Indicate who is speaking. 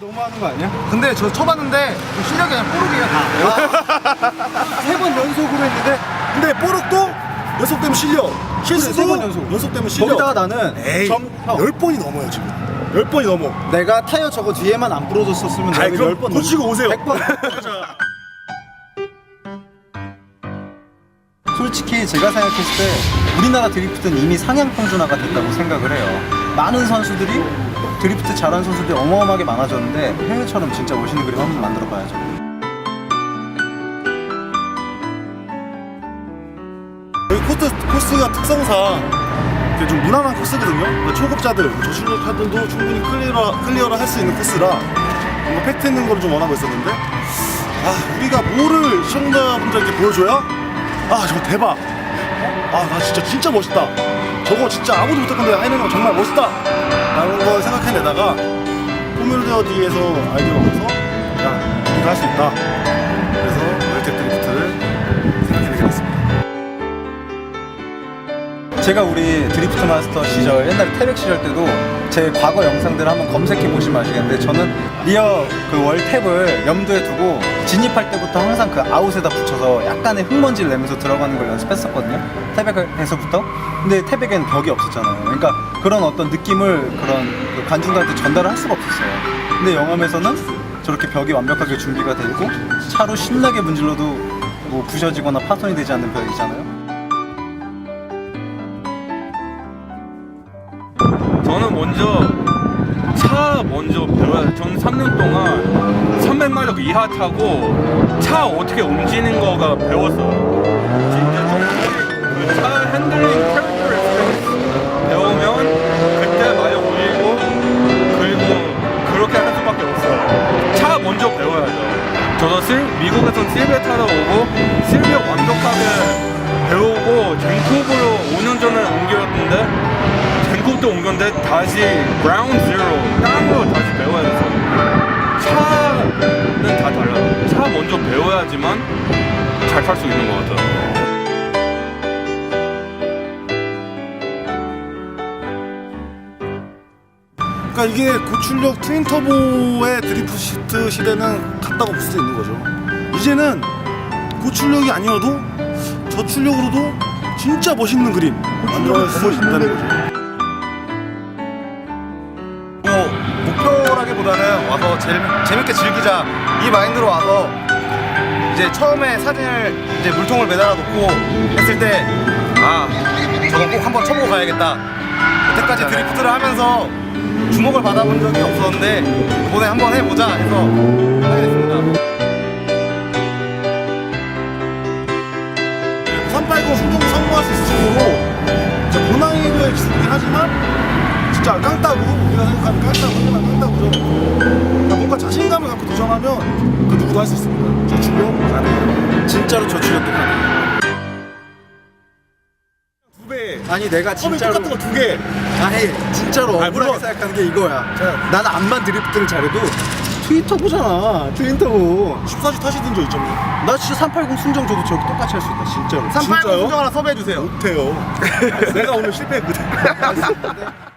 Speaker 1: 너무하는 거 아니야?
Speaker 2: 근데 저 쳐봤는데 실력이 그냥 뽀록이에요 다.
Speaker 1: 3번 연속으로 했는데
Speaker 3: 근데 뽀록도 연속되면 실력, 실수도
Speaker 1: 세번 연속.
Speaker 3: 연속되면 실력.
Speaker 1: 거기다가 나는
Speaker 3: 에이,
Speaker 1: 형,
Speaker 3: 10번이 넘어요 지금. 10번이 넘어.
Speaker 1: 내가 타이어 저거 뒤에만 안 부러졌었으면
Speaker 3: 아이,
Speaker 1: 내가
Speaker 3: 그럼
Speaker 1: 10번
Speaker 3: 고치고 오세요.
Speaker 1: 100번. 솔직히 제가 생각했을 때 우리나라 드리프트는 이미 상향 평준화가 됐다고 생각을 해요. 많은 선수들이 드리프트 잘하는 선수들이 어마어마하게 많아졌는데 해외처럼 진짜 멋있는 그림 한번 만들어 봐야죠.
Speaker 3: 여기 코스가 특성상 이게 좀 무난한 코스거든요. 그러니까 초급자들, 저출력자들도 충분히 클리어를 할 수 있는 코스라 뭔가 팩트 있는 걸 좀 원하고 있었는데 우리가 뭐를 시청자분들에게 보여줘야 저거 대박. 나 진짜 멋있다. 저거 진짜 아무도 못할 건데 하는 거 정말 멋있다 라는 걸 생각해내다가 포뮬러 D에서 아이디어가 와서 우리도 할 수 있다. 그래서 월텍 드리프트를 생각해내게 됐습니다.
Speaker 1: 제가 우리 드리프트 마스터 시절 옛날에 태백 시절 때도 제 과거 영상들을 한번 검색해 보시면 아시겠는데 저는 리어 그 월탭을 염두에 두고 진입할 때부터 항상 그 아웃에다 붙여서 약간의 흙먼지를 내면서 들어가는 걸 연습했었거든요. 태백에서부터. 근데 태백엔 벽이 없었잖아요. 그러니까 그런 어떤 느낌을 그런 그 관중들한테 전달을 할 수가 없었어요. 근데 영암에서는 저렇게 벽이 완벽하게 준비가 돼 있고 차로 신나게 문질러도 뭐 부셔지거나 파손이 되지 않는 벽이잖아요.
Speaker 4: 저는 먼저 배워야 돼요. 저는 3년 동안 300마력 이하 타고 차 어떻게 움직이는 거가 배웠어요. 진짜 그 차 핸들링 캐릭터를 배우면 그때 마력 올리고 그리고 그렇게 할 수밖에 없어요. 차 먼저 배워야죠. 저도 미국에서 실베 타러 오고 실베 완벽하게 배우고 젠쿱으로 5년 전에 옮겼는데 젠쿱도 옮겼는데 다시 그라운드 제로 땅으로 다시 배워야 돼서 차는 다 달라요. 차 먼저 배워야지만 잘 탈 수 있는 것 같아요.
Speaker 3: 그러니까 이게 고출력 트윈터보의 드리프트 시대는 갔다고 볼 수 있는 거죠. 이제는 고출력이 아니어도 저출력으로도 진짜 멋있는 그림 만들어낼 수 있다는 거죠.
Speaker 2: 목표라기보다는 와서 재밌게 즐기자 이 마인드로 와서 이제 처음에 사진을 이제 물통을 매달아 놓고 했을 때 저거 꼭 한번 쳐보고 가야겠다. 여태까지 드리프트를 하면서 주목을 받아본 적이 없었는데 이번에 한번 해보자 해서 하게 됐습니다.
Speaker 3: 380 충분히 성공할 수 있을 정도로 고난이도의 기술이긴 하지만 진짜 깡따구, 우리가 생각하는 깡따구죠. 그러니까 뭔가 자신감을 갖고 도전하면 그 누구도 할 수 있습니다. 저출력 가능해요.
Speaker 1: 진짜로 저출력도 가능해요.
Speaker 3: 2배.
Speaker 1: 아니 내가 진짜로
Speaker 3: 똑같은 거 2개.
Speaker 1: 아니 진짜로 억울하게
Speaker 3: 물론.
Speaker 1: 생각하는 게 이거야. 나는 암만 드리프트를 잘해도 트윈터보잖아. 트윈터보.
Speaker 3: 14주 타시던 적 있잖아요.
Speaker 1: 나 진짜 380 순정 저도 저렇게 똑같이 할 수 있다 진짜로.
Speaker 2: 380
Speaker 3: 진짜요?
Speaker 2: 순정 하나 섭외해주세요.
Speaker 3: 못해요. 내가 오늘 실패했거든.